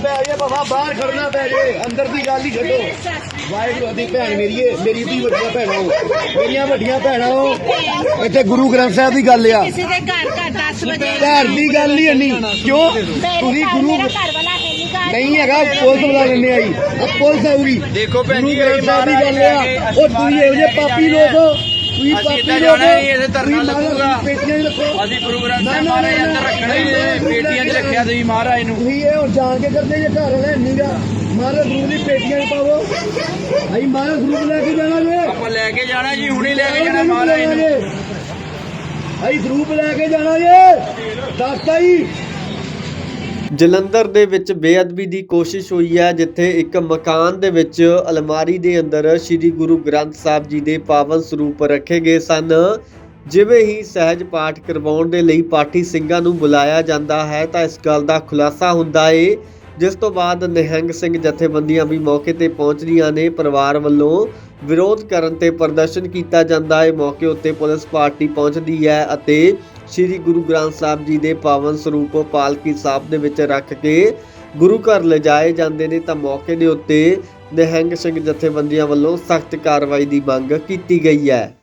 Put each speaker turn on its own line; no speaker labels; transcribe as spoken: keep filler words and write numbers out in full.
ਪੈ ਜੇ ਬਾਬਾ ਬਾਹਰ ਖੜਨਾ ਪੈ ਜੇ ਅੰਦਰ ਦੀ ਗੱਲ ਹੀ ਛੱਡੋ। ਵਾਹਿਗੁਰੂ ਦੀ ਭੈਣ ਮੇਰੀਏ ਮੇਰੀ ਦੀ ਵੱਡੀਆਂ ਭੈਣਾਂ ਹੋ ਮੇਰੀਆਂ ਵੱਡੀਆਂ ਭੈਣਾਂ ਹੋ ਇੱਥੇ ਗੁਰੂ ਗ੍ਰੰਥ ਸਾਹਿਬ ਦੀ ਗੱਲ ਆ
ਕਿਸੇ ਦੇ ਘਰ ਘਰ ਦਸ ਵਜੇ
ਘਰ ਦੀ ਗੱਲ ਨਹੀਂ ਇੰਨੀ ਕਿਉਂ ਤੁਸੀਂ ਗੁਰੂ
ਮੇਰਾ ਘਰ ਵਾਲਾ ਹੈ ਨਹੀਂ ਘਰ
ਨਹੀਂ ਹੈਗਾ ਪੁਲਿਸ ਬੁਲਾ ਲੈਣੇ ਆਈ ਪੁਲਿਸ ਆਊਗੀ
ਦੇਖੋ ਭੈਣ ਜੀ,
ਗੁਰੂ ਗ੍ਰੰਥ ਸਾਹਿਬ ਦੀ ਗੱਲ ਆ ਉਹ ਤੁਸੀਂ ਇਹੋ ਜਿਹੇ ਪਾਪੀ ਲੋਕ ਤੁਸੀਂ
ਅਸੀਂ
ਪਾਪੀ
ਇੱਦਾਂ
ਲੋਕ
ਜਾਣਾ ਨਹੀਂ, ਇੱਥੇ ਧਰਨਾ
ਤੁਸੀਂ ਮਹਾਰਾਜ
ਲੱਗੂਗਾ।
ਪੇਟੀਆਂ 'ਚ ਰੱਖੋ
ਅਸੀਂ ਗੁਰੂ ਗ੍ਰੰਥ ਸਾਹਿਬ ਮਹਾਰਾਜ ਅੰਦਰ ਰੱਖਣਾ ਹੀ ਨਹੀਂ, ਪੇਟੀਆਂ 'ਚ ਰੱਖਿਆ ਤੁਸੀਂ ਮਹਾਰਾਜ ਨੂੰ।
ਤੁਸੀਂ ਇਹ ਹੁਣ ਜਾਣ ਕੇ ਕਰਦੇ ਜੇ ਘਰ ਵਾਲਾ ਨਹੀਂਗਾ ਮਹਾਰਾਜ ਗੁਰੂ ਦੀ ਪੇਟੀਆਂ 'ਚ ਪਾਵੋ ਅਸੀਂ ਮਹਾਰਾਜ ਗੁਰੂ ਲੈ ਕੇ ਜਾਣਾ ਜੇ
ਆਪਾਂ ਲੈ ਕੇ ਜਾਣਾ ਜੀ, ਹੁਣੇ ਲੈ ਕੇ ਜਾਣਾ ਮਹਾਰਾਜ ਨੂੰ।
ਅਸੀਂ ਸਰੂਪ ਲੈ ਕੇ ਜਾਣਾ ਜੇ ਦੱਸਤਾ ਜੀ।
ਜਲੰਧਰ ਦੇ ਵਿੱਚ ਬੇਅਦਬੀ ਦੀ ਕੋਸ਼ਿਸ਼ ਹੋਈ ਹੈ, ਜਿੱਥੇ ਇੱਕ ਮਕਾਨ ਦੇ ਵਿੱਚ ਅਲਮਾਰੀ ਦੇ ਅੰਦਰ ਸ੍ਰੀ ਗੁਰੂ ਗ੍ਰੰਥ ਸਾਹਿਬ ਜੀ ਦੇ ਪਾਵਨ ਸਰੂਪ ਰੱਖੇ ਗਏ ਸਨ। ਜਿਵੇਂ ਹੀ ਸਹਿਜ ਪਾਠ ਕਰਵਾਉਣ ਦੇ ਲਈ ਪਾਠੀ ਸਿੰਘਾਂ ਨੂੰ ਬੁਲਾਇਆ ਜਾਂਦਾ ਹੈ ਤਾਂ ਇਸ ਗੱਲ ਦਾ ਖੁਲਾਸਾ ਹੁੰਦਾ ਏ, ਜਿਸ ਤੋਂ ਬਾਅਦ ਨਿਹੰਗ ਸਿੰਘ ਜਥੇਬੰਦੀਆਂ ਵੀ ਮੌਕੇ ਤੇ ਪਹੁੰਚਦੀਆਂ ਨੇ। ਪਰਿਵਾਰ ਵੱਲੋਂ ਵਿਰੋਧ ਕਰਨ ਤੇ ਪ੍ਰਦਰਸ਼ਨ ਕੀਤਾ ਜਾਂਦਾ ਹੈ। ਮੌਕੇ ਉੱਤੇ ਪੁਲਿਸ ਪਾਰਟੀ ਪਹੁੰਚਦੀ ਹੈ ਅਤੇ ਸ੍ਰੀ ਗੁਰੂ ਗ੍ਰੰਥ ਸਾਹਿਬ ਜੀ ਦੇ ਪਾਵਨ ਸਰੂਪ ਪਾਲਕੀ ਸਾਹਿਬ ਦੇ ਵਿੱਚ ਰੱਖ ਕੇ ਗੁਰੂ ਘਰ ਲਿਜਾਏ ਜਾਂਦੇ ਨੇ ਤਾਂ ਮੌਕੇ ਦੇ ਉੱਤੇ ਨਿਹੰਗ ਸਿੰਘ ਜਥੇਬੰਦੀਆਂ ਵੱਲੋਂ ਸਖਤ ਕਾਰਵਾਈ ਦੀ ਮੰਗ ਕੀਤੀ ਗਈ ਹੈ।